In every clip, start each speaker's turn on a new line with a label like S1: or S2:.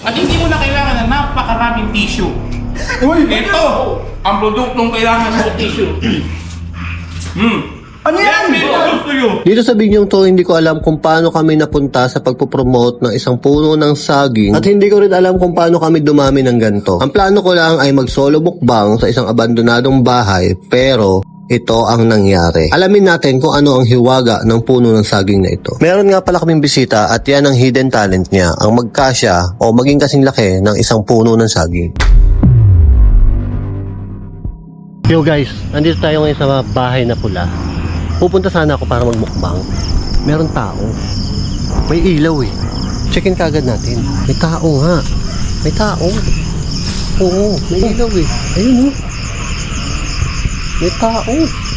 S1: At hindi mo na kailangan ng napakaraming tissue.
S2: Uy!
S1: Ito ang produktong kailangan sa tissue.
S2: Ano yan?
S1: Gusto nyo.
S3: Dito sa binyong to, hindi ko alam kung paano kami napunta sa pagpopromote ng isang puno ng saging at hindi ko rin alam kung paano kami dumami ng ganito. Ang plano ko lang ay mag-solo mukbang sa isang abandonadong bahay pero ito ang nangyari. Alamin natin kung ano ang hiwaga ng puno ng saging na ito. Meron nga pala kaming bisita at yan ang hidden talent niya, ang magkasya o maging kasing laki ng isang puno ng saging. Yo guys, nandito tayo ngayon sa bahay na pula. Pupunta sana ako para magmukbang. Meron tao. May ilaw eh. Checkin kagad natin. May tao nga. May tao. Oo, may ilaw eh. Ayun oh. May tao.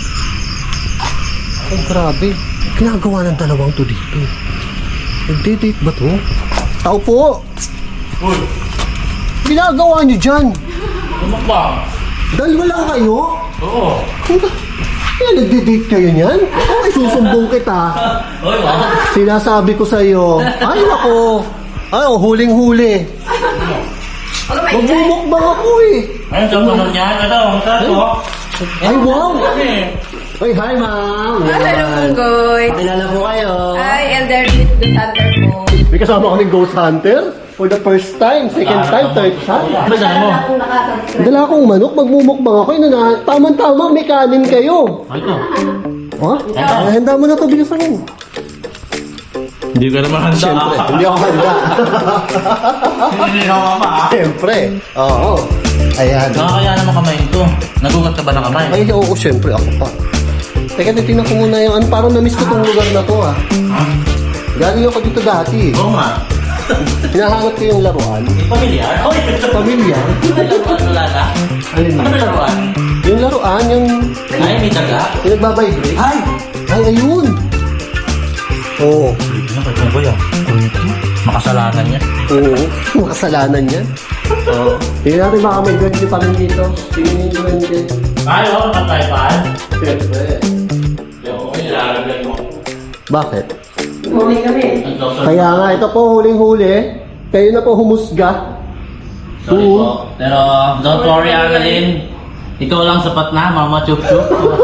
S3: Oh, grabe. Ginagawa ng dalawang to dito. Nagdidate ba to? Tao po!
S1: Uy,
S3: Ginagawa nyo dyan?
S1: mukbang.
S3: Dalawa lang kayo?
S1: Oo.
S3: Kaya nagdidate kayo niyan? Ako ay susumbong kita.
S1: Uy, wow.
S3: Sinasabi ko sa'yo. Ay, ako. Ay, oh, huling-huli. Magmumukbang ako eh.
S1: Ayun, sa puno niya. Ito, ang sarap.
S3: Ay, wow.
S1: Eh.
S3: Ay, hi, ma'am.
S4: Hello, Punggoy.
S3: Kilala po kayo.
S4: Hi, Elder Reed, the Thunder po.
S3: May kasama ako ng Ghost Hunter. For the first time, second time, third time.
S1: Ano dala mo?
S3: Dala akong manok, magmumukbang ako. Tama-tama, may kanin kayo.
S1: Ito.
S3: Ha? Handa mo na to, bilisan mo.
S1: Hindi ka naman handa.
S3: Siyempre, hindi ako handa.
S1: Hindi ka mama.
S3: Siyempre. Oo. Ayan.
S1: Nakakaya naman kamay ito. Nagugat ka ba ng kamay?
S3: Ay, oo, siyempre, ako pa. Teka, titignan ko muna yung, parang na-miss ko tong lugar na to, ah. Galing ako dito dati.
S1: Oo nga.
S3: Hinahanap ko yung laruan.
S1: Pamilyar? Oy!
S3: Pamilya.
S1: Ano lala?
S3: Alin
S1: Ano
S3: mo?
S1: ba laruan?
S3: Yung laruan, yung
S1: Ay, may daga?
S3: nagbabibrate.
S1: Ay!
S3: Ay, ayun. Oo.
S1: Ano ba yan? Makasalanan niya.
S3: Oo. Makasalanan yan. Oo. Tingnan natin baka may duwende pa rin dito. Tingnan yung duwende.
S1: Ay, oo, nakataypan.
S3: Siyempre.
S1: Oo, nilalagay mo.
S3: Bakit?
S4: Huli kami.
S3: Kaya nga, ito po huling-huli. Kayo na po humusga.
S5: Sorry po. Pero don't worry, Annalyn. Ikaw lang sapat na, Mama Chup Chup.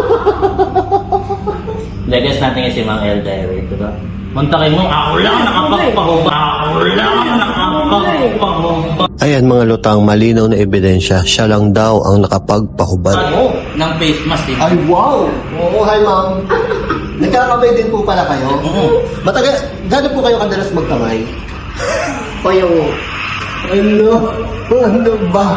S5: Legas natin si Mang El Diary, diba? Muntakin mo, ako lang nakapagpahuba. Ako lang nakapagpahuba.
S3: Ayan mga lutang, malinaw na ebidensya. Siya lang daw ang nakapagpahubad.
S5: Ng face mask, diba?
S3: Ay, wow! Oo, hi ma'am. Nagkakamay din po pala kayo? Matagal, gano'n po kayo kadalas magkamay? O yung... Ano ba?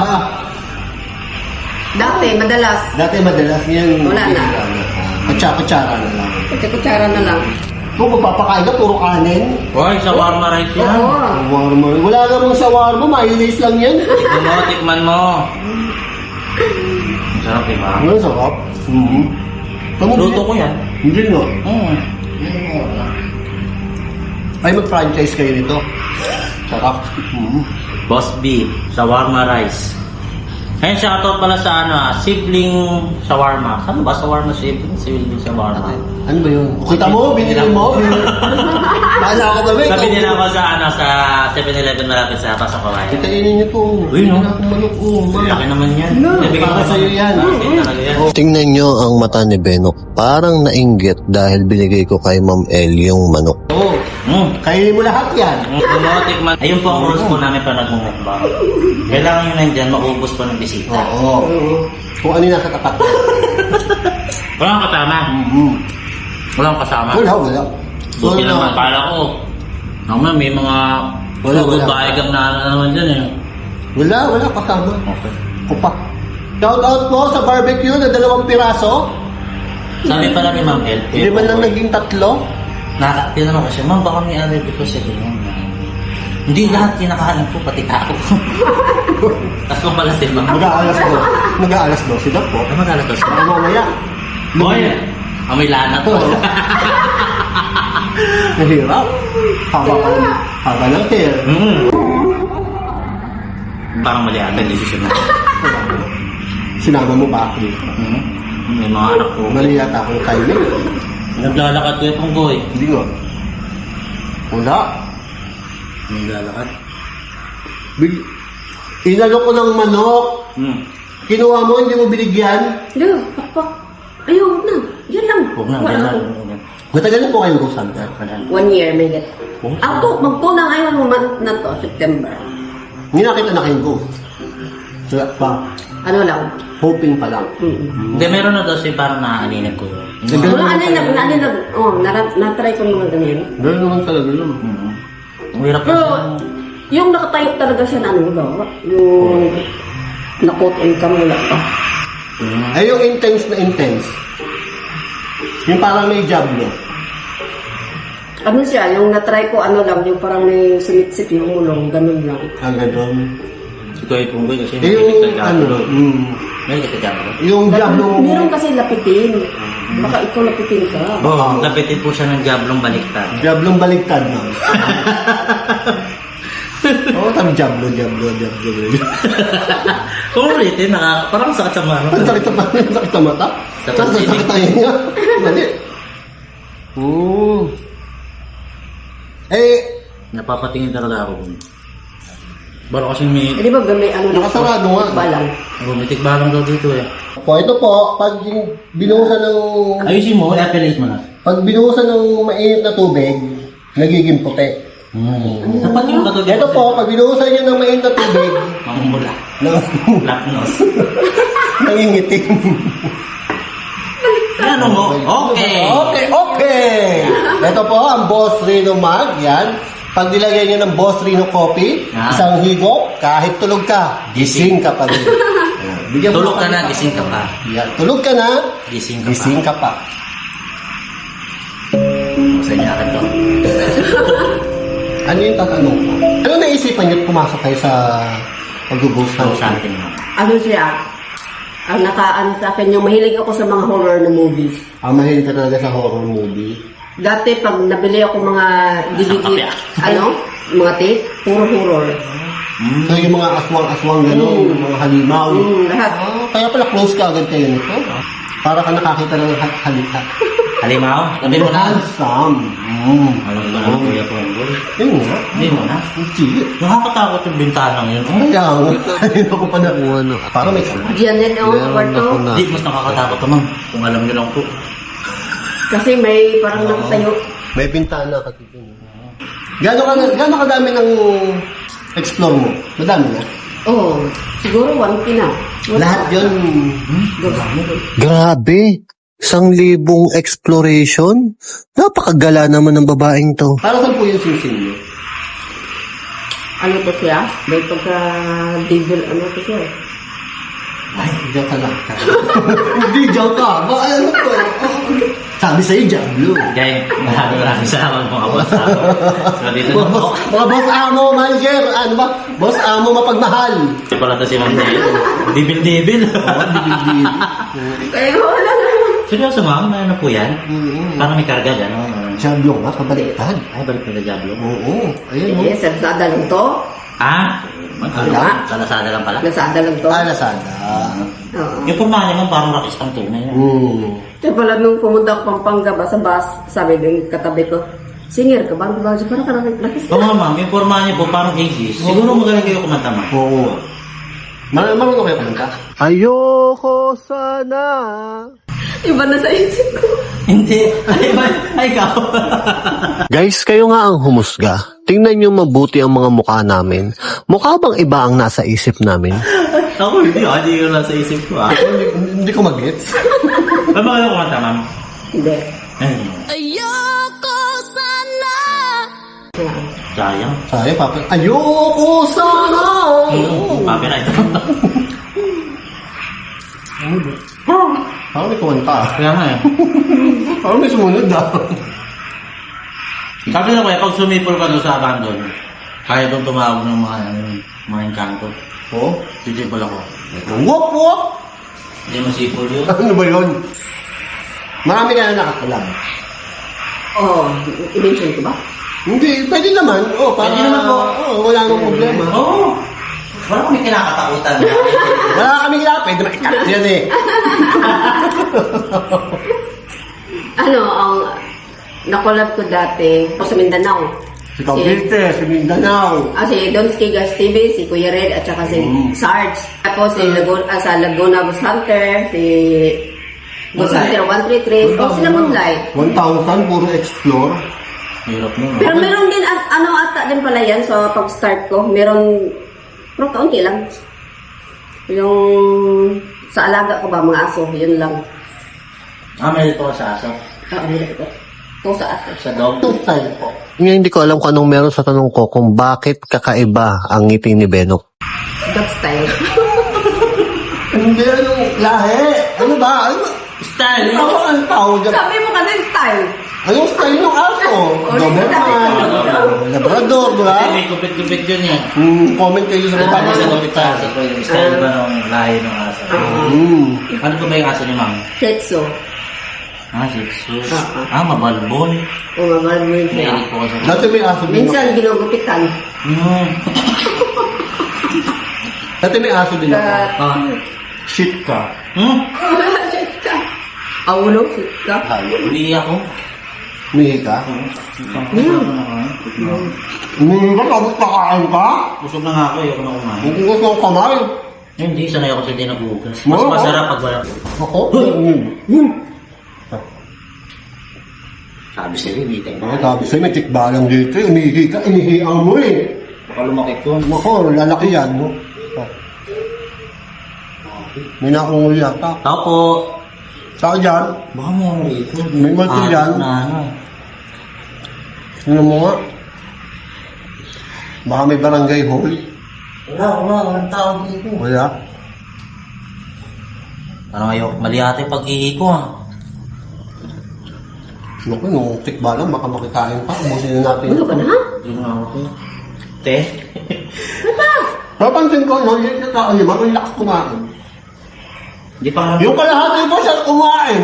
S4: Dati, madalas.
S3: Dati madalas ngayon...
S4: Wala na.
S3: Kutsara na lang.
S4: Kutsara na lang.
S3: Kung magpapakain ka, puro kanin.
S5: Hoy, shawarma rice yan.
S4: Oo.
S3: Shawarma. Wala namang shawarma, mayonnaise lang yan.
S5: Tikman mo, tikman mo. Ang sarap, diba?
S3: Ano, sarap?
S5: Luto ko yan.
S3: Hindi no.
S5: Mm.
S3: Ay, mag-franchise kayo nito. Sarap.
S5: Boss B, shawarma rice. Ayun, shoutout pala sa sibling shawarma. Saan ba shawarma sibling? Sibling shawarma.
S3: Ano ba yun? Kita mo, binili mo. Paala ako ba?
S5: Sabi nila ako sa 7-Eleven malapit sa Pasok Kawayan.
S3: Kitainin niyo to.
S5: Uy, no?
S3: Wala akong manok.
S5: Laki naman yan. Nabigyan
S3: para
S5: ko
S3: sa'yo yan.
S5: Talaga yan.
S3: Tingnan nyo ang mata ni Benok. Parang nainggit dahil binigay ko kay Ma'am El yung manok.
S5: Oo.
S3: Kainin mo lahat yan.
S5: Tikman. Ayun po ang rules po namin pa nagmumukbang. Kailangan nyo nandyan, maubos po ng bisita.
S3: Oo. Kung ano yung nasa tapat mo.
S5: Walang kasama. Walang kasama.
S3: Wala.
S5: Buti naman, pala ko. Naman, may mga
S3: Wala.
S5: babaegang na naman dyan eh.
S3: Wala kasama.
S5: Okay.
S3: Kupa. Shout out po sa barbecue na 2 piraso.
S5: Sabi pala ni Ma'am El,
S3: Hindi man lang naging 3.
S5: tinanong ko siya, Ma'am, baka may allergy ko siya ganyan. Hindi lahat kinakahalan ko, pati ako. Tapos kung pala si Ma'am.
S3: Mag-aalas 12 na po.
S5: Ano mag-alas to siya?
S3: Mamaya.
S5: Boy, amoy lana to.
S3: Nahirap. Haba ng hair.
S5: Parang mali ata yung decision na.
S3: Sinama mo ba ako dito?
S5: May mga anak ko.
S3: Mali yata akong timing.
S5: Naglalakad ko yung boy.
S3: Hindi nga. Wala.
S5: Naglalakad.
S3: Inalok ko ng manok.
S5: Hmm.
S3: Kinuha mo, hindi mo binigyan.
S4: Hello, pakpak. Ayaw, huwag na. Yan lang.
S5: Huwag na,
S4: Wala
S5: yan
S4: ako.
S5: lang.
S3: Matagal na po kayo Rose Hunter.
S4: 1 year, may get. Magtunang ayaw mo month na to, September.
S3: Hindi nakita na kayo ko. Wala pa.
S4: Ano lang.
S3: Hoping pa lang.
S5: Hindi, meron na daw siya parang naaaninag ko yun.
S4: Wala, natry ko naman ganyan.
S3: Gano'n naman talaga yun.
S5: Hmm. Ang hirap
S4: Pero,
S5: kasi.
S4: yung nakatayo talaga siya na ano ba? Yung nakot on cam wala pa.
S3: Ay, yung intense na intense. Yung parang may job, no?
S4: Ano siya, yung natry ko ano lang, yung parang may sumitsip yung mulong, ganun lang.
S3: Ang gano'n.
S5: Ito ay kung kasi
S3: Eh, yung ano,
S5: May kita dyan ba?
S3: yung job nung...
S4: Meron kasi lapitin. Baka ikaw lapitin ka.
S5: Oo, lapitin po siya ng jablong baliktad.
S3: Jablong baligtad, no? Oo, tam jablo.
S5: Kung ulitin, parang sakit sa mano.
S3: Ang sakit sa mata. Ang sakit sa mata.
S5: Sa
S3: Saan
S5: pansinig.
S3: sakit tayo niya? Mali. Eh,
S5: Napapatingin talaga ako. Baro kasi may
S4: Eh, di ba may ano
S3: Nakasarado nga.
S4: balang.
S5: bumitik balang daw dito eh.
S3: po, ito po, pag binuhusan ng...
S5: Ayusin mo, i-appellate mo na.
S3: Pag binuhusan ng mainit na tubig, nagiging puti.
S5: Dapat yung katulad.
S3: Ito po, pag binuhusan niyo ng mainit na tubig,
S5: Mamumula. Black nose.
S3: nangingitim.
S5: Ano mo? Okay.
S3: Okay. Ito po, ang Boss Reno Mag, yan. Pag nilagay niyo ng Boss Reno Coffee,
S5: Yan.
S3: isang higop, kahit tulog ka, gising ka pa rin. Ayan. Bigyan mo
S5: Tulog ka
S3: kami
S5: na,
S3: pa-
S5: gising ka pa.
S3: Yan. Tulog ka na,
S5: Gising ka pa.
S3: gising ka pa.
S5: Sa inyo akin to.
S3: Ano yung tatanong ko? Ano naisipan niyo at pumasok kayo sa pag-boss
S5: Sa
S3: ng
S5: something mo.
S4: Ano siya? Ang nakaano sa akin, yung mahilig ako sa mga horror na movies.
S3: Mahilig ka talaga sa horror movie.
S4: Dati pag nabili ako mga DVD,
S5: Kapya.
S4: mga tape, puro horror.
S3: So yung mga aswang-aswang gano'n, yung mga halimaw.
S4: Lahat.
S3: Kaya pala close ka agad kayo nito. Para ka nakakita ng halika.
S5: Halimaw? Sabi mo na.
S3: Handsome.
S5: Alam ko na kuya ko ang goal.
S3: Yun nga.
S5: Hindi mo na.
S3: Hindi.
S5: Nakakatakot yung bintanang yun.
S3: Kaya nga. Hindi ko pa na ano. Parang may sama.
S4: Janet ako sa kwarto.
S5: Hindi, mas nakakatakot naman. Kung alam nyo lang po.
S4: Kasi may parang nakatayo.
S3: May bintana kasi dun. Gano'n kadami ng explore mo? Madami na?
S4: Oo. Siguro 1K na.
S3: Lahat yun.
S2: Grabe! 1,000 exploration? Napakagala naman ng babaeng to.
S3: Para saan po yung sing-sing mo?
S4: Ano to siya? May pagka devil, ano to siya?
S3: Ay, joke ka lang. Hindi, joke ka. Ba, ano to? Sabi sa'yo, Diablo.
S5: Kaya maraming salamat mga boss. So dito na po.
S3: Mga boss amo, manager, ano ba? Boss amo mapagmahal.
S5: Ito pala to si Ma'am Dale. Dibil-dibil.
S4: Kaya wala na.
S5: Seryoso ma'am, ano po yan? Parang may karga dyan.
S3: Diablo nga, kabaliktad.
S5: Ay, balik na Diablo.
S3: Oo, ayun.
S4: Eh, sa Lazada lang to.
S5: Ah?
S3: Wala.
S5: Sa Lazada lang pala.
S4: Lazada lang to.
S3: Lazada.
S4: Oo.
S5: Yung pormahan naman parang rakistang tunay yan.
S4: Kaya pala nung pumunta ako Pampanga ba sa bus, sabi din katabi ko, singer ka ba? Parang ka nakis.
S5: Oo nga ma'am, yung pormahan niya po parang 80s. Siguro magaling kayo kumanta ma'am.
S3: Oo. Marunong kayo kumanta?
S2: Ayoko sana.
S4: Iba na sa isip ko.
S5: Hindi. Ay, ikaw.
S2: Guys, kayo nga ang humusga. Tingnan nyo mabuti ang mga mukha namin. Mukha bang iba ang nasa isip namin?
S5: Ako hindi ko lang sa isip ko ah.
S3: Hindi ko mag-gets.
S5: Ano ba kayo kumanta ma'am?
S4: Hindi.
S5: Sayang.
S3: Sabi, papa, ayoko sana!
S5: Copyright.
S3: Parang may kumanta.
S5: Kaya nga eh.
S3: Parang may sumunod
S5: Sabi na kaya, pag sumipol ka doon sa abandon, kaya doon tumawag ng mga engkanto.
S3: Oo?
S5: Sisipol ako.
S3: Wop, wop!
S5: Hindi mo sipol yun.
S3: Ano ba yun? Marami ka na nakakalab.
S4: Oo. I-mention ko ba?
S3: Hindi, pwede naman. Oh, para,
S5: Pwede naman po.
S3: Oo, wala namang problema.
S5: Oo. Wala kami kinakatakutan.
S3: Wala kami kaya, pwede makikat yan eh.
S4: Ano, ang nakolab ko dati, ako sa Mindanao.
S3: Si Cavite, si Mindanao.
S4: Si Donski Gas TV, si Kuya Red, at saka si Sarge. Tapos si sa Laguna Bus Hunter, si Bus Hunter 133. O sila Moonlight.
S3: 1,000, puro explore.
S5: Hirap nun.
S4: Pero meron din, ata din pala yan sa pag-start ko. Pero kaunti lang. Yung sa alaga ko ba, mga aso, yun lang.
S5: May dito ka sa aso.
S4: Meron ko. Ito sa aso.
S5: Sa dog.
S3: Style po.
S2: Ngayon hindi ko alam kung anong meron sa tanong ko kung bakit kakaiba ang ngiti ni Benok.
S4: Dog style.
S3: Hindi, anong lahi? Ano ba?
S5: Style!
S3: Ano ang tawag dyan?
S4: Sabi mo kasi style.
S3: Anong style ng aso? Doberman, Labrador, di ba?
S5: May kupit-kupit yun eh.
S3: Comment kayo sa baba.
S5: Paano sa kupit sa aso ko? Yung style ba ng lahi ng aso? Ano ba yung aso ni ma'am?
S4: Tetsu.
S5: Shih Tzu. Mabalbon.
S4: Umabad mo yun siya.
S5: Mahilig po kasi.
S3: Dati may aso din ako.
S4: Minsan ginugupitan.
S3: Dati may aso din ako. Shit ka.
S4: Shit ka. Aulo, shit ka.
S5: Uli ako.
S3: Mihi ka? Mihi ka? Tapos pakain ka?
S5: Busog na nga ako. Ayoko na kumain.
S3: Hindi ko siyang kamay.
S5: Hindi, sanay ako sa hindi nag-uugas. Mas
S3: Oo.
S5: masarap pag wala.
S3: Ako?
S5: Sabi sa'yo, hindi tayo.
S3: Sabi sa'yo, may tikbalang dito. Umihi ka, inihiang mo eh.
S5: Baka lumaki ko.
S3: Ako, lalaki yan. No? May nakungul yata.
S5: Tao po.
S3: Saan dyan?
S5: Baka may ano rito.
S3: May multi dyan.
S5: Na ano.
S3: Sino mo nga? Baka may barangay hall.
S5: Walang tao dito.
S3: Wala.
S5: Ano ngayon? Mali ate yung pag-ihi ko ah.
S3: Naku, nung tikbalang, baka makikain pa. Ubusin na natin.
S4: Ano ka na?
S5: Hindi na ako. Te?
S3: Papansin ko, no, yung tao niya, marunong lakas kumain.
S5: Hindi pa nga.
S3: Yung kalahati pa siya kumain.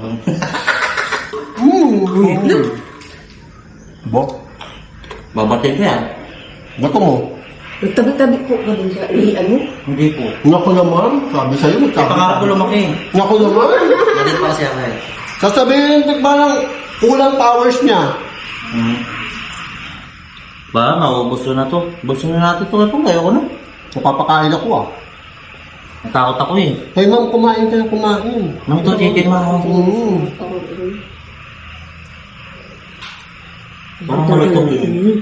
S3: Bo,
S5: Babatid ko yan.
S3: bato mo.
S4: Nagtabi-tabi po ka din sa ihian mo.
S5: Hindi po.
S3: Naku naman, sabi sa'yo,
S5: Pangarap ko lumaki.
S3: Naku naman.
S5: Galit pa kasi ako eh.
S3: Sasabihin ng tikbalang, kulang powers niya.
S5: Ba, maubos ko na to. Busin na natin to. Ito, ayoko na.
S3: Napapakain ako ah.
S5: Natakot ako eh.
S3: Kaya ma'am, kumain ka na kumain.
S5: Nang ito, chicken ma. Parang malutong eh.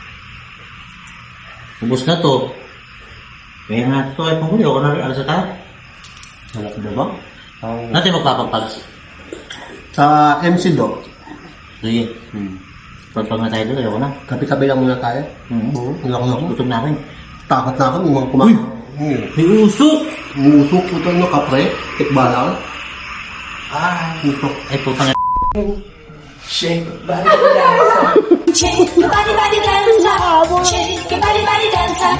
S5: Ubus na to. Kaya na ito. Ay, panguli. Ako na rin. Alas na tayo. Wala ko ba? Natin magpapapags.
S3: Sa MC Doc,
S5: Sige. Pagpag na tayo doon, ayoko na.
S3: kapi-kapi lang muna tayo. Naku.
S5: Gutom na ako eh.
S3: Takot na ako, may mga kumain.
S5: May usok!
S3: Musok ko ito, no, kapre, tikbalang. Musok.
S5: Ay, putang ina.
S6: Shake your body, body dancer. Shake your body dancer.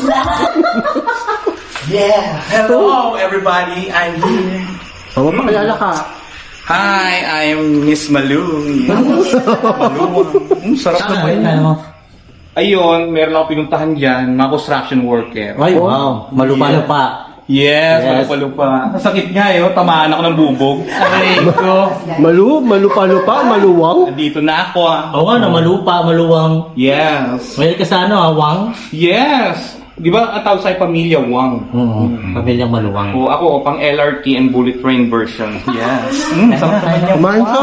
S6: Yeah. Hello, everybody. I'm here.
S3: Mapakilala ka.
S6: Hi, I'm Miss Malung. Malung. Sarap naman. Ayun, meron ako pinuntahan dyan, mga construction worker.
S5: Ay, wow. Malupa-lupa.
S6: Yes,
S5: Yes.
S6: malupa-lupa. Sakit nga yun, tamaan ako ng bubog. Aray ko.
S3: Malupa-lupa, maluwang.
S6: Andito na ako ah.
S5: Oo nga, malupa, maluwang.
S6: Yes.
S5: May ka sa ano, Wang?
S6: Yes. Di ba ang tawag sa'yo pamilya Wang?
S5: Pamilyang maluwang.
S6: O ako, pang LRT and bullet train version. Yes. Sarap naman yan.
S3: Kumain ka.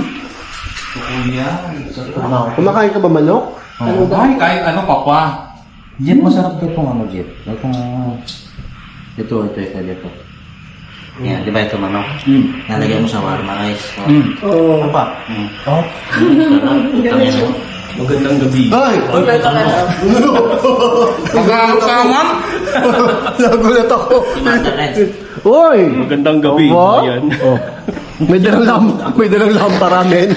S3: Kumakain ka ba manok?
S6: Ay, kahit ano pa pa.
S5: Jeep, masarap to itong ano, Jeep. Ito. Yan, di ba ito manok? Nalagyan mo sa warma rice. Ano pa? Sarap.
S6: Magandang gabi.
S3: Ay!
S6: Magkakamam?
S3: Nagulat ako.
S5: Commander Red.
S3: Uy!
S6: Magandang gabi.
S3: Aba?
S6: Ayan.
S3: Oh. May dalang lampara, men.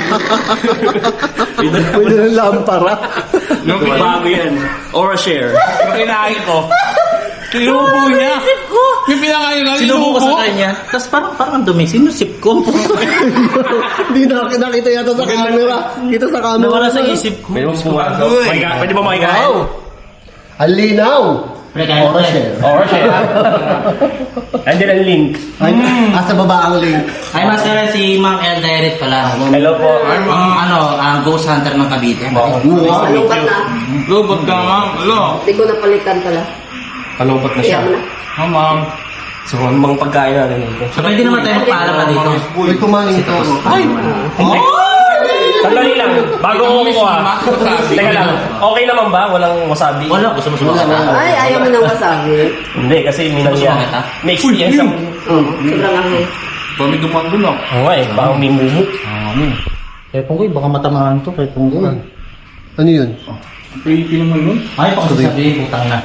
S3: May dalang lampara.
S6: Nung bago yan. Or a share. Yung kinain ko. Sinubo niya. Yung pinakain na,
S5: Sinubo ko sa kanya. Tapos parang ang dumi. Sinusip ko.
S3: Hindi nakita yata sa camera. Kita sa camera.
S5: Nawala sa isip ko.
S6: Pwede mo makikain?
S3: Wow! Ang linaw!
S5: Pre, kaya mo pre.
S7: Or siya. Andiyan ang link.
S3: Ay, sa baba ang link.
S5: Ay, Master, si Ma'am El Direct pala.
S7: Hello po.
S5: Ang ghost hunter ng Cavite.
S4: Lubat na.
S6: Lubot ka, ma'am. Alo.
S4: Hindi ko napalitan pala.
S7: Kalungkot na siya.
S4: Kaya mo na.
S6: Oh, ma'am.
S7: So, ano mga pagkain natin ito?
S5: So, pwede naman tayo magpaalam pa dito.
S3: Uy, kumain ito.
S7: Ay! Sandali lang. Bago ko kumuha. Teka lang. Okay naman ba? Walang wasabi?
S5: Wala, gusto mo sumakas na.
S4: Ay, ayaw mo ng wasabi.
S7: Hindi, kasi minang
S5: Gusto mo
S7: yan.
S5: kita?
S7: May experience ako.
S4: Oo, sobrang angay.
S6: Kami dumaan doon, ah.
S7: Oo nga eh, parang may mumu.
S5: Kaya Punggoy, baka matamaan to kay Punggoy.
S3: Ano yun?
S6: Creepy naman nun.
S5: Ay, baka sasabihin, putang na.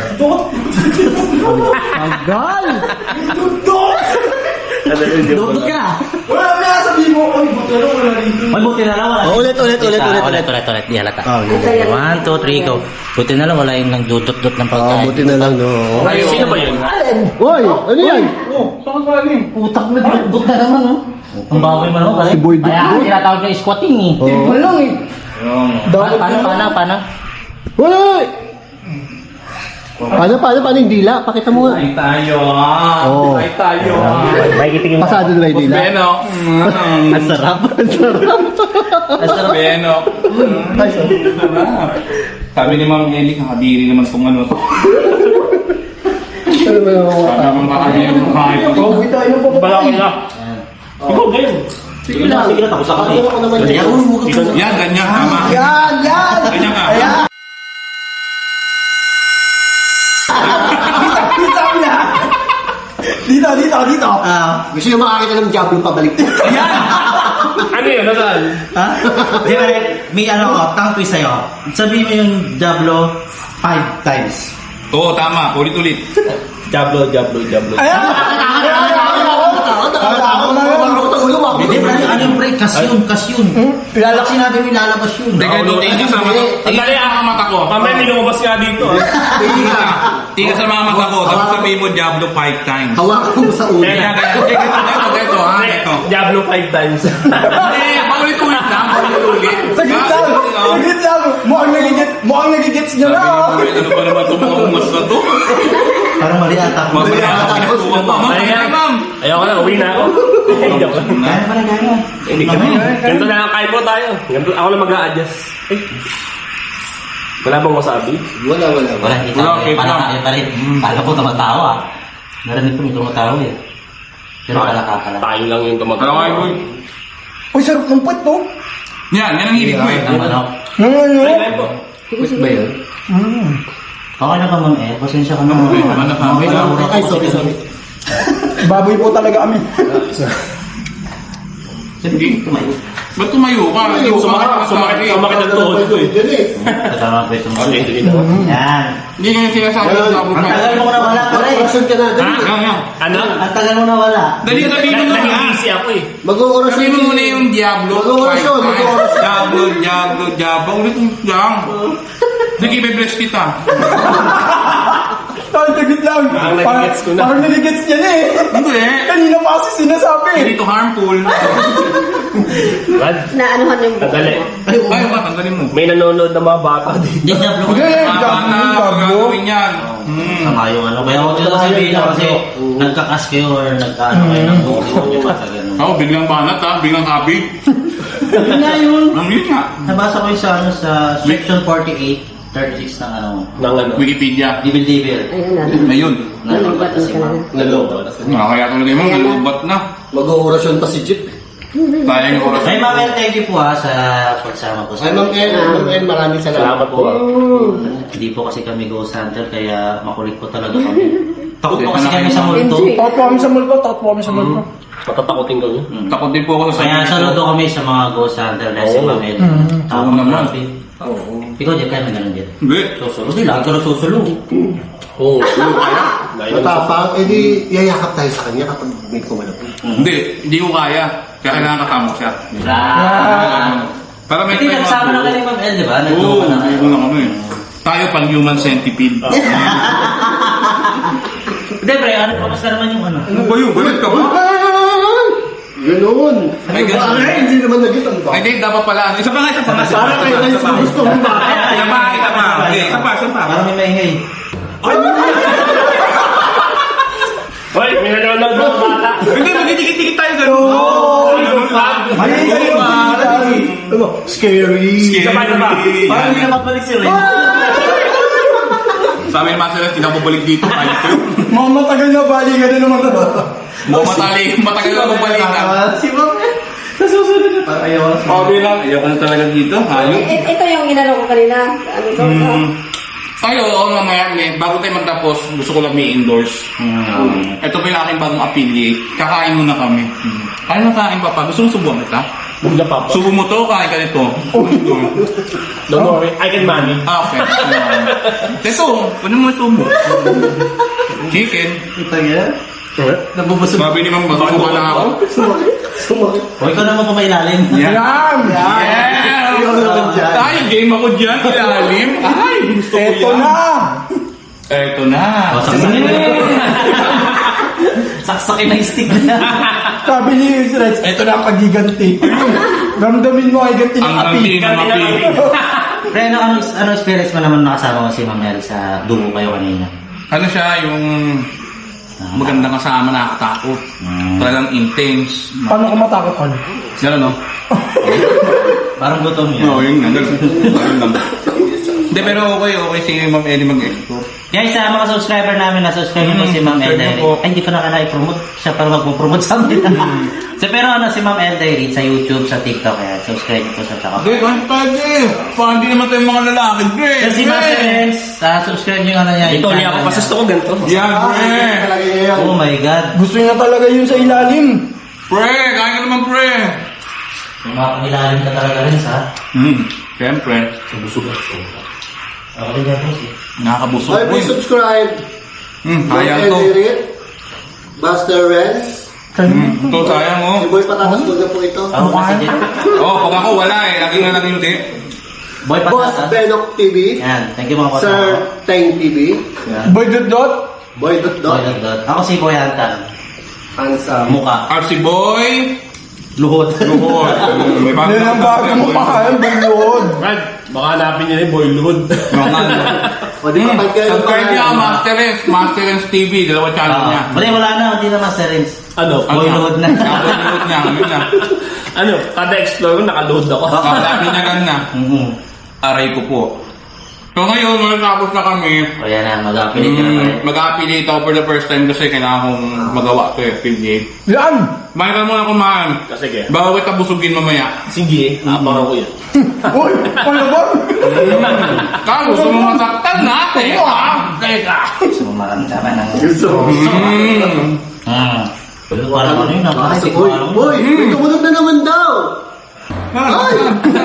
S5: Dudot ka!
S1: Wala na, sabihin mo, ay, buti na wala dito.
S5: May buti na lang wala.
S3: Ulit.
S5: Ulit. Di halata. 1, 2, 3, go. Buti na lang wala yung nagdudot-dot ng pagkain.
S3: Buti na lang, no?
S7: Sino ba yun?
S3: Uy, ano yan?
S6: Saan ka ni?
S5: Putak na dudot na naman, oh. Ang baboy man, oh.
S3: Si Boy
S5: Kaya
S3: Dudot.
S5: tinatawag na squatting, eh. Paano?
S3: Uy! Paano yung dila? Pakita mo nga.
S6: Ay tayo, ah.
S3: Oo.
S6: Ay tayo, ah.
S7: May kitingin.
S3: Pasado na ba yung dila?
S6: Beno.
S3: Ang sarap.
S6: Beno. Sabi ni Ma'am Eli, kakadiri naman itong ano. Sabi naman kakadiri ng kahit ito.
S7: Balaki na. Ikaw, ganyan.
S5: Sige lang, tapos ako eh.
S6: Yan, ganyan, tama.
S1: Yan!
S6: Ganyan ka.
S1: Dito!
S3: Gusto nyo makakita ng Diablo pabalik.
S7: Ano yun? Nasaan?
S5: Ha? Di ba, may tongue twist sa'yo. Sabihin mo yung Diablo 5 times.
S6: Oo, tama. Ulit-ulit.
S7: Diablo.
S5: Hindi, ano yung pre? Kasyon. Sinabi mo ilalabas yun.
S6: Teka, tingin ka sa mata. Tingin ka sa mga mata ko.
S7: Mamaya may lumabas nga dito.
S6: Tingin ka sa mga mata ko. Tapos sabihin mo Diablo 5 times.
S3: Hawakan mo sa ulo.
S6: Ganyan. Ito, ha? Ito.
S7: Diablo 5 times.
S6: Hindi, paulit-ulit lang. Paulit-ulit.
S1: Saglit lang! Mukhang nagigits nyo na!
S6: Ano ba naman itong mga umas na to?
S5: Parang mali ata.
S6: Mamaya ako pinagtuwa pa. Ma'am!
S7: Ayoko na, uwi na ako. Joke lang.
S5: Kaya.
S7: Hindi kami. Ganito na lang, kain po tayo. Ako lang mag-a-adjust. Wala bang wasabi?
S3: Wala.
S5: Wala, hindi
S6: Wala,
S5: tayo.
S6: okay,
S5: Palakain pa rin. Kala ko tumatawa. Narinig ko may tumatawa eh. Pero palaka.
S7: Tayo lang yung
S6: Alam
S7: tumatawa.
S6: nga, boy.
S1: Uy, sarap ng puwet to!
S6: Yan ang hilig ko eh.
S5: Ang manok.
S7: Kain po.
S3: Wait ba yun?
S5: Okay na ba, Ma'am El? Pasensya ka na.
S3: Ay, sorry.
S1: Baboy po talaga kami.
S5: Sige, tumayo.
S6: Ba't tumayo ka?
S7: Sumakit ang tuhod ko eh.
S5: Kasama ko itong
S7: Okay, sige na.
S5: Yan.
S6: Hindi nga sinasabi ng Diablo
S5: Ang tagal
S6: 5.
S5: mo na wala, pare.
S3: Orasyon ka na.
S6: Yan.
S7: Ano?
S5: Ang tagal mo na wala.
S6: Dali, sabihin mo na.
S7: Nag-easy ako eh.
S3: Mag-orasyon.
S6: Sabihin mo muna yung Diablo 5
S3: Mag-orasyon.
S6: times. Diablo. Ulit lang. Sige, be-bless kita.
S1: Saglit lang!
S7: Parang nagigets ko na.
S1: Parang nagigets niya na eh!
S6: Hindi.
S1: Kanina pa kasi sinasabi!
S6: Hindi to harmful.
S7: Brad,
S4: Naanuhan yung buko.
S7: sandali.
S6: Ay, ba? Tanggalin mo.
S7: May nanonood na mga bata dito.
S5: Hindi, Diablo ko.
S6: Baka na gagawin yan.
S5: Sama yung ano. Kaya huwag nyo sabihin na kasi nagkakas kayo or nagkaano kayo ng buko yung mata gano'n.
S6: Ako, biglang banat ha. Biglang happy.
S5: Yun nga yun.
S6: Ang yun nga.
S5: Nabasa ko yung sa section 48, 36 ng ano.
S7: Nang ano.
S6: Wikipedia.
S5: Dibil-dibil.
S4: Ayun na.
S6: Ayun.
S4: Nalubat na
S5: si
S4: siya.
S5: Ma'am.
S7: Nalobat.
S6: Kaya tuloy mo, nalubat na.
S3: Mag-orasyon pa si Jeep.
S6: Sayang yung oras.
S5: Ay, Ma'am El, thank you po sa pagsama po.
S3: Ay, Ma'am El, maraming
S7: Salamat po.
S5: Hindi po kasi kami ghost hunter, kaya makulit po talaga kami. Takot po kasi kami sa multo.
S4: Enjoy.
S1: Takot po kami sa multo, takot po kami sa multo.
S7: Matatakotin ko yun.
S6: Takot din po ako sa
S5: Kaya saludo kami sa mga ghost hunter dahil si Ma'am El. Tama
S6: Oo naman.
S5: naman. Ikaw, Jeff, kaya may ganun, Jeff.
S6: Hindi.
S5: Susulo. Hindi, lagi ka na susulo.
S7: Oo. Kaya.
S3: Matapang, edi yayakap tayo sa kanya kapag may kumanap.
S6: Hindi ko kaya. Kaya kailangan kasama ko siya. Para may
S5: Hindi, nagsama na kayo ni Ma'am El, di ba?
S6: Oo,
S5: Nagtulungan na kayo.
S6: hindi na kami. Tayo pang human centipede.
S5: Hindi, pre, ano, kamusta naman yung ano?
S6: Ano ba yun? Balit ka ba?
S3: Ganoon.
S6: Ay, ganun.
S3: Ay, hindi naman nagitan ba?
S6: Ay, hindi, dapat pala. Isa pa nga.
S3: Parang kayo gusto mo ba?
S6: Isa pa. Okay, isa pa.
S5: Parang may maingay.
S6: Ay, dikit-dikit tayo ganun. Ganun lang.
S1: Scary.
S7: Sabay na ba? Parang hindi na magbalik si Ren.
S6: Sa amin naman sila, tinapabalik dito. Ayos ko.
S1: Mga matagal na bali ka na naman.
S6: Matagal na magbalikan.
S1: Si Ma'am. Sa susunod na. Parang ayaw.
S6: Okay lang. Ayaw ko na talaga dito. Ayaw.
S4: Ito yung inano ko kanina. Ano to?
S6: Ay, oo, mamaya, bago tayo magtapos, gusto ko lang may indoors. Ito pa yung aking bagong affiliate. Kakain muna kami. Kain na kain, Papa. Gusto mo subuhan kita?
S7: Bugla pa.
S6: Subo mo to, kain ka nito.
S7: Don't worry, I can manage.
S6: Okay. Ito, ano mo subo? Chicken.
S1: Ito yan. Nabubusog.
S6: Sabi ni Mang Bato, wala ako.
S5: O, ikaw naman pumailalim.
S1: Yan!
S6: Yeah!
S1: Ikaw naman dyan.
S6: Ay, game ako dyan, ilalim. Ay, gusto ko yan.
S1: Eto na!
S6: Eto na.
S5: O, saksakin na. Saksakin na yung stick na.
S1: Sabi ni Reds, eto na ang pagiganti. Ramdamin mo ay ganti ng
S6: Ang
S1: api.
S6: nanti ng api.
S5: Pre, ano experience mo naman nakasama mo si Mamel sa dugo kayo kanina?
S6: Ano siya, yung magandang kasama, nakakatakot. Talagang intense.
S1: Paano ka matakot ka?
S6: Yan ano?
S5: Parang gutom yun.
S6: Oo, yun nga. Hindi, pero okay si Ma'am Ellie mag-explore.
S5: Guys, sa mga subscriber namin, na-subscribe nyo po si Ma'am
S6: subscribe
S5: Elday.
S6: nyo po.
S5: Ay, hindi ko na i-promote. Siya para magpo-promote sa amin. So, pero si Ma'am Elday sa YouTube, sa TikTok, kaya subscribe nyo po sa Taka.
S6: Hindi, kahit pwede. Parang hindi naman tayong mga lalaki, Dre.
S5: So, si Ma'am Elday, subscribe nyo yung ano niya.
S7: Ito, niya ako. Pasusto ko ganito.
S6: Yan, Pre.
S1: Talaga yan.
S5: Oh my God.
S1: Gusto niya talaga yun sa ilalim.
S6: Pre, kain ka naman, Pre.
S5: May mga pangilalim ka talaga rin sa
S6: Siyempre.
S5: ako rin po si.
S6: Nakakabusog
S3: Ay,
S6: po.
S3: please subscribe.
S6: Sayang to.
S3: Buster Renz.
S6: Ito, sayang oh.
S3: Si Boy Patatas Bulga po ito.
S5: Ako kasi din.
S6: Oh, pag ako wala eh. Lagi nga lang hindi.
S5: Boy
S3: Boss
S5: Patata.
S3: Benok TV.
S5: Yan, thank you mga
S3: Sir
S5: patata.
S3: Teng TV.
S1: Boy Dot.
S3: Boy
S5: Boy
S3: Dot.
S5: Dot. Ako si Boy Hantan.
S3: Handsome.
S5: Mukha.
S6: RC Boy.
S5: Luhod.
S6: Luhod. May bago
S1: Yan ang bago mo pa. Buluod.
S7: Brad, baka hanapin niya yung Boy Lud.
S3: O di ba pag kayo
S6: Subscribe niya ang Master Rens TV. Dalawa channel niya.
S5: Wala na, hindi na Master Rins.
S7: Ano?
S5: Boy Luhod na.
S6: Boy Luhod niya. Yun na.
S7: Ano? Kada explore ko, naka-load ako.
S6: Sabi niya ganun. Aray ko po. So ngayon, matapos na kami.
S5: O yan na, mag-affiliate ka na tayo.
S6: Mag-affiliate ako for the first time kasi kailangan kong magawa ito eh, affiliate.
S1: Yan!
S6: Kumain ka muna kumain.
S7: Sige.
S6: Bago kita busugin mamaya.
S7: Sige, abangan ko yun.
S1: Uy! Ano ba?
S6: Ka, gusto mo masaktan natin. Teka.
S5: Gusto mo maranta ka ng...
S6: Mm.
S5: Parang ano yun, nakakasik
S3: Boy, boy, may tumunog na naman daw. Ay!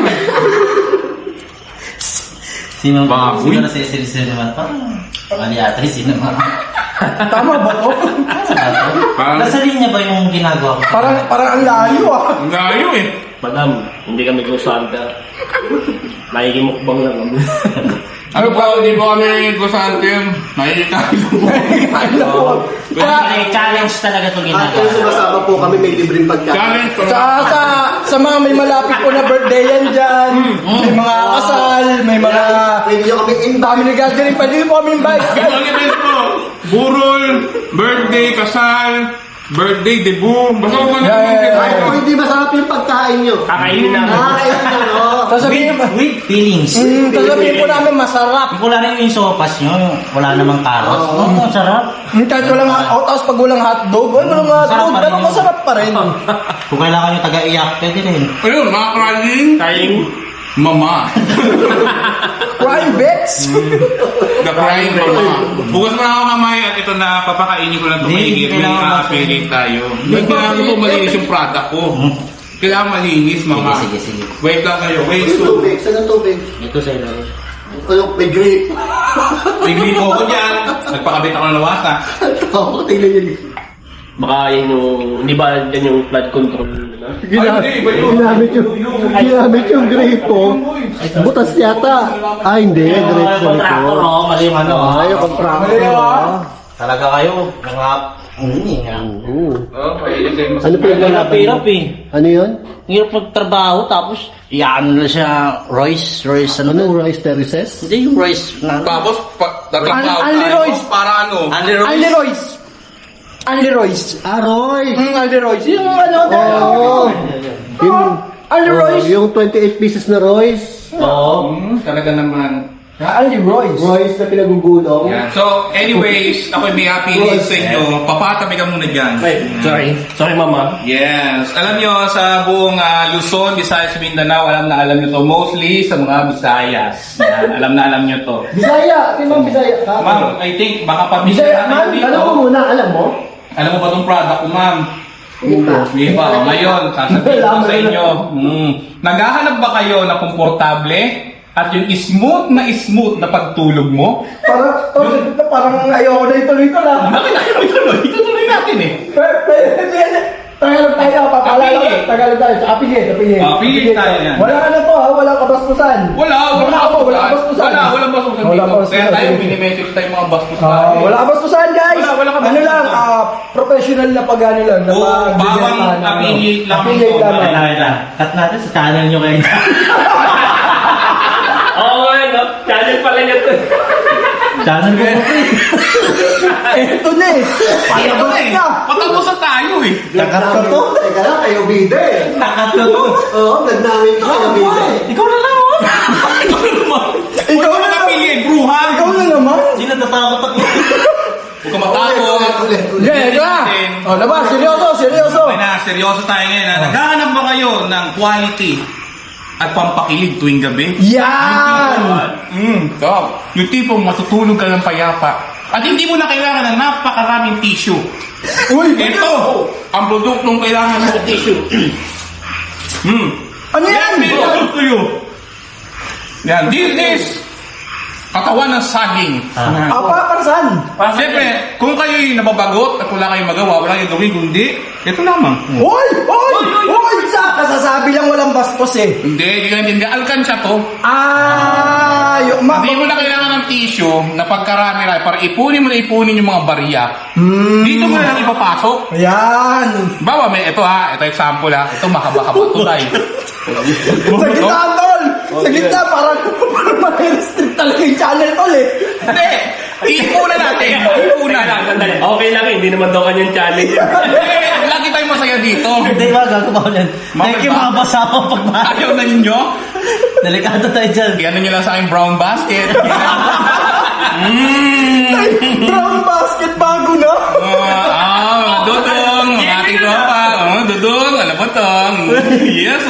S5: Sino
S6: Baboy.
S5: na sisirisin naman? Parang mali ata yung sino naman.
S1: Tama ba to?
S6: Parang-
S5: Nasa linya ba yung ginagawa ko?
S1: Parang ang layo ah.
S6: Ang layo eh.
S7: Madam, hindi kami kusanta. Nakikimukbang lang kami.
S6: Ano po, hindi po kami gusante. Nakikita ko.
S5: May challenge talaga itong
S3: At kung
S5: ginagawa.
S3: sumasama po kami, may libreng pagkain.
S6: Challenge ko.
S1: Sa mga may malapit po na birthday yan dyan. May mga kasal, may mga
S3: Pwede nyo kami invite.
S1: family gathering. Pwede po kami invite.
S6: Ang event po. Burol, birthday, kasal, birthday, debut. Basta ko man
S3: Ay, kung hindi masarap yung pagkain nyo.
S7: Kakainin namin.
S3: Nakakain nyo, no?
S1: Sasabihin,
S5: With feelings.
S1: sasabihin po namin masarap.
S5: Wala rin yung sopas nyo, wala namang carrots. Oo, sarap.
S1: Kahit walang tapos pag walang hotdog, walang hotdog,
S5: Masarap pa rin
S1: pero
S5: yun.
S1: masarap pa rin.
S5: Kung kailangan nyo taga-iyak, pwede rin.
S6: Ayun, mga crying.
S7: Kain.
S6: Mama.
S1: Prime bets.
S6: The crying mama. Bukas mo na ako kamay at ito na papakainin ko lang ito
S5: Hindi,
S6: maigit. May
S5: kailangan
S6: a-affiliate tayo. Kailangan ko po malinis yung product ko. Kailangan malinis, mama.
S5: Sige.
S6: Wait lang kayo. Wait,
S3: Yung
S6: so.
S3: tubig, saan ang tubig?
S5: Ito sa ilo.
S3: Ano, may grape.
S6: Tigli mo ko dyan. Nagpakabit ako ng lawasa.
S3: Oo, tingnan nyo.
S7: Baka yun yung, hindi ba yan yung flood control? Ano?
S3: Ginamit yung grape po. Butas yata. Ah, hindi. Grape po
S5: Contractor,
S3: ito.
S5: oh, mali yung ano.
S3: Ay, yung contractor.
S5: Talaga kayo, mga...
S3: Ano po yung lalaban?
S5: Hirap eh.
S3: Ano yun?
S5: Hirap magtrabaho, tapos iyan na siya, Royce, ano?
S3: Anong rice terraces?
S5: Hindi yung Royce na...
S6: Tapos, tatrabaho
S1: Anli
S6: tayo.
S1: Royce.
S6: Para ano?
S5: Andy Royce.
S1: Andy Royce. Andy Royce.
S3: Roy!
S1: Andy Royce. Yung ano, Andy Royce.
S3: Yung 28 pieces na Royce.
S5: Oo.
S6: Talaga naman.
S1: Andy Royce.
S3: Royce na pinagugulong.
S6: Yan. So, anyways, ako may happy news sa inyo. Papatabi ka muna dyan.
S7: Sorry, mama.
S6: Yes. Alam nyo, sa buong Luzon, Visayas, Mindanao, alam na alam nyo to. Mostly sa mga Visayas. Yan. Alam nyo to.
S3: Bisaya! Timang Bisaya ka?
S6: Ma'am, I think baka pabisa
S3: Bisaya,
S6: natin
S3: ma'am.
S6: dito.
S3: Alam mo muna, alam mo?
S6: Alam mo ba itong product ko, ma'am? Hindi pa. Ngayon, sasabihin ko sa inyo. Naghahanap ba kayo na komportable? At yung smooth na pagtulog mo?
S1: Parang ayoko na ituloy ko na.
S6: Bakit na kayo ituloy? Itutuloy natin eh.
S1: Tagalog tayo, papalala
S6: Kapili.
S1: ko. Tagalog tayo. Apigit.
S6: Apigit tayo yan.
S1: Wala na po ha, wala kabastusan.
S6: Wala
S1: kabastusan.
S6: Walang bastusan
S1: Wala
S6: dito.
S1: bastusan.
S6: Kaya tayo, minimessage tayo mga bastos tayo.
S1: Wala kabastusan guys.
S6: Wala kabastusan.
S1: Ano lang, professional na pag-ano lang. na
S6: Oo,
S1: pagbibenta
S6: bawang
S1: ng ano.
S6: affiliate lang
S1: Affiliate
S6: ito.
S1: lamang.
S5: Cut natin sa channel nyo kayo.
S7: Oo nga, no? Channel pala niya to.
S5: Channel ko po
S1: Ito na eh. Palabas na.
S6: Patapos na tayo eh.
S1: Nakat ka to.
S3: Teka lang, kayo bida eh.
S5: Nakat ko to.
S3: Oo, nagnamin ka kayo bida eh.
S5: Ikaw na lang oh.
S6: Ikaw na affiliate, bruhan.
S1: Ikaw na naman.
S5: Sino natatakot ako?
S6: Huwag ka matakot.
S3: Ulit.
S1: Yeah, ka. O, labas. Seryoso.
S6: Okay na, seryoso tayo ngayon. Naghahanap ba kayo ng quality at pampakilig tuwing gabi?
S1: Yan.
S6: Top. Yung tipong matutulog ka ng payapa. At hindi mo na kailangan ng napakaraming tissue.
S1: Uy,
S6: Ito, ang produktong kailangan mo tissue.
S1: ano yan?
S6: Yan, to you. Yan, this is katawan ng saging.
S1: Apa, para saan?
S6: Siyempre, kung kayo'y nababagot at wala kayong magawa, wala kayong gawin, kundi, ito lamang.
S1: Uy! Kasasabi lang walang bastos eh.
S6: Hindi, alkansya to. Hindi mo na kailangan ng tissue na pagkarami na para ipunin yung mga barya. Dito mo na lang ipapasok.
S1: Ayan.
S6: Bawa, ito example ito mahaba-haba to tayo.
S1: Sa gitna, tol! Sa gitna, parang ma-restrict talaga yung channel, tol eh.
S6: Hindi, iipunan natin.
S7: Sandali. Okay lang, hindi naman daw kanyang challenge.
S6: Lagi tayong masaya dito.
S5: Hindi ba, gagawa ko yan. Thank you mga boss ako pagmahal.
S6: Ayaw na ninyo.
S5: Delikado tayo dyan.
S6: Iyan nyo lang sa aking brown basket.
S1: Brown basket, bago na.
S6: Mga dudong, mga ating tropa. Dudong, alam mo to. Yes,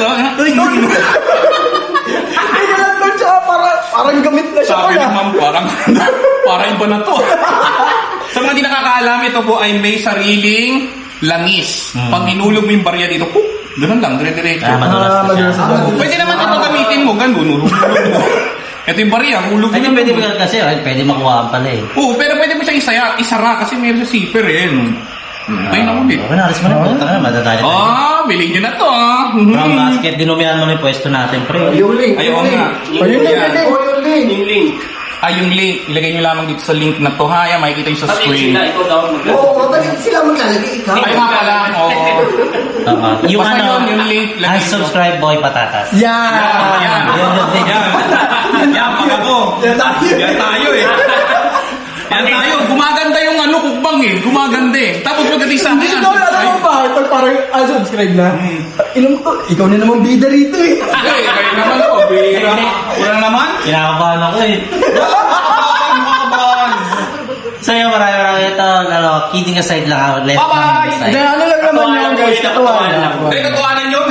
S1: Hindi ka lang tol, tsaka parang gamit na siya,
S6: Sabi
S1: tol
S6: ni
S1: ah.
S6: ma'am, parang iba na to. Sa mga di nakakaalam, ito po ay may sariling langis. Pag inulog mo yung barya dito, ganun lang, dire-diretso.
S5: Madulas na siya.
S6: Pwede naman ito gamitin mo, ganun. Ito yung barya, hulog
S5: Ay,
S6: mo.
S5: pwede mo kasi, pwede makuha pala eh.
S6: Oo, pero pwede mo siyang isara kasi meron sa zipper eh. Ay, nakulit.
S5: Okay, naris mo na. Punta ka na, madadali tayo.
S6: Bilhin nyo na to
S5: Brown basket, dinumihan mo na yung pwesto natin, pre.
S3: Yung link.
S6: Ayaw nga.
S1: Ayun na,
S6: Yan.
S3: Yung link.
S7: Yung link.
S6: Yung link, ilagay nyo lamang dito sa link na to. Yan, makikita nyo sa screen.
S7: Ikaw daw.
S3: Oo, bakit sila maglalagay ikaw?
S6: Ay, nga pala. Oo.
S5: Yung
S6: Basta
S5: ano,
S6: yun, yung link, lagay nyo.
S5: unsubscribe boy patatas.
S1: Yan.
S6: Yan. Yan, pag ako. Yan tayo eh. Yan tayo. Gumaganda yung kukbang eh. Gumaganda eh. Tapos pagdating sa
S1: Hindi
S6: akin.
S1: tol, alam mo ba? Tol, parang subscribe na. Inom to, ikaw na naman bida rito eh.
S6: Kayo naman po. Wala naman.
S5: Kinakabahan ako eh.
S6: Makabahan.
S5: Sa'yo, marami ito. Kidding aside lang ako. Left
S6: Bye-bye.
S5: aside.
S1: Hindi, ano lang naman yan guys, katuwaan lang.
S6: Ay, katuwanan nyo.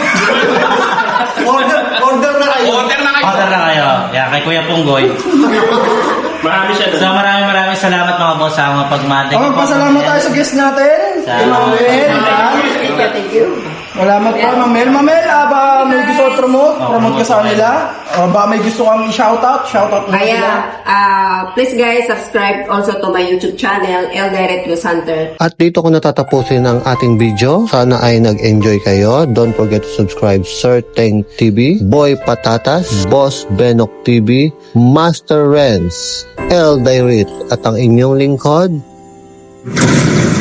S3: Order na kayo.
S6: Order na kayo.
S5: Order na kayo. Yan, kay Kuya Punggoy.
S7: Marami siya
S5: So, maraming salamat mga boss sa mga pagmate.
S1: Pasalamat tayo sa guest natin. Kay Mamel.
S4: Thank you.
S1: Salamat po, Mamel. Mamel, ba may gusto ko promote ka sa kanila? Ba may gusto kang i-shoutout? Shoutout mo sila.
S4: Please guys, subscribe also to my YouTube channel, El Direct News Hunter.
S3: At dito ko natatapusin ang ating video. Sana ay nag-enjoy kayo. Don't forget to subscribe Sir Teng TV, Boy Patatas, Boss Benok TV, Master Renz, El Direct at ang inyong lingkod.